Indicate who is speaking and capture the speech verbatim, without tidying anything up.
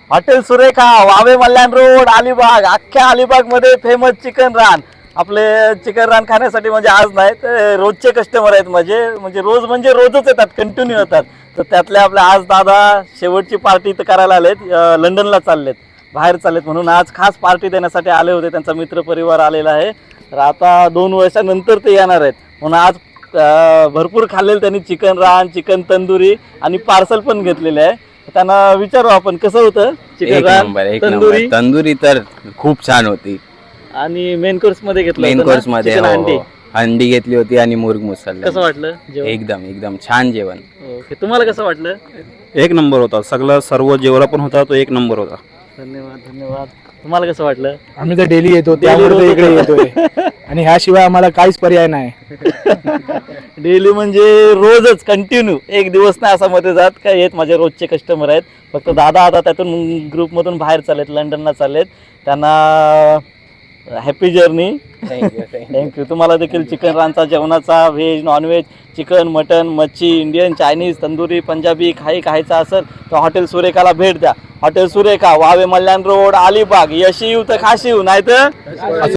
Speaker 1: Hotel Surekha, Vave Malyan road, Alibag. अख्ख्या अलिबाग मध्ये famous chicken रान. आपले चिकन रान खाण्यासाठी म्हणजे आज नाही तर रोजचे कस्टमर आहेत माझे, म्हणजे रोज म्हणजे रोजच येतात, कंटिन्यू येतात. तर त्यातले आपले आज दादा शेवटची पार्टी इथं करायला आलेत, लंडनला चाललेत, बाहेर चाललेत, म्हणून आज खास पार्टी देण्यासाठी आले होते. त्यांचा मित्र परिवार आलेला आहे. तर आता दोन वर्षानंतर ते येणार आहेत, म्हणून आज भरपूर खाल्लेलं त्यांनी चिकन रान, चिकन तंदुरी आणि पार्सल पण घेतलेले आहे. त्यांना विचारू आपण कसं होतं चिकन रान, तंदुरी.
Speaker 2: तंदुरी तर खूप छान होती.
Speaker 1: आणि मेन कोर्स मध्ये घेतलं
Speaker 2: मेन
Speaker 1: होतं ना?
Speaker 2: कोर्स मध्ये
Speaker 1: चिकन
Speaker 2: हो,
Speaker 1: अंडी.
Speaker 2: हो. अंडी घेतली होती आणि मुर्ग मसाला.
Speaker 1: कसं वाटलं जेवण?
Speaker 2: एकदम एकदम छान जेवण.
Speaker 1: ओके, तुम्हाला कसं वाटलं?
Speaker 3: एक नंबर होता. सगळं सर्व जेवढा पण होता तो एक नंबर होता.
Speaker 1: धन्यवाद धन्यवाद. तुम्हाला कसं वाटलं?
Speaker 4: आम्ही तर डेली येतो, त्यामुळे तर इकडे येतोय आणि ह्याशिवाय आम्हाला काहीच पर्याय नाही.
Speaker 1: डेली म्हणजे रोजच कंटिन्यू, एक दिवस नाही असा मध्ये जात. काय येत माझे रोजचे कस्टमर आहेत. फक्त दादा आता त्यातून ग्रुपमधून बाहेर चाललेत, लंडनला चाललेत. त्यांना हॅपी जर्नी. थँक्यू. तुम्हाला देखील चिकन रानचा जेवणाचा व्हेज नॉनव्हेज चिकन मटन मच्छी इंडियन चायनीज तंदुरी पंजाबी काही खायचं असेल तर हॉटेल सुरेखाला भेट द्या. Hotel Surekha, Vave Malyan road, Alibag. यशी येऊ तर खाशी येऊ, नाही तर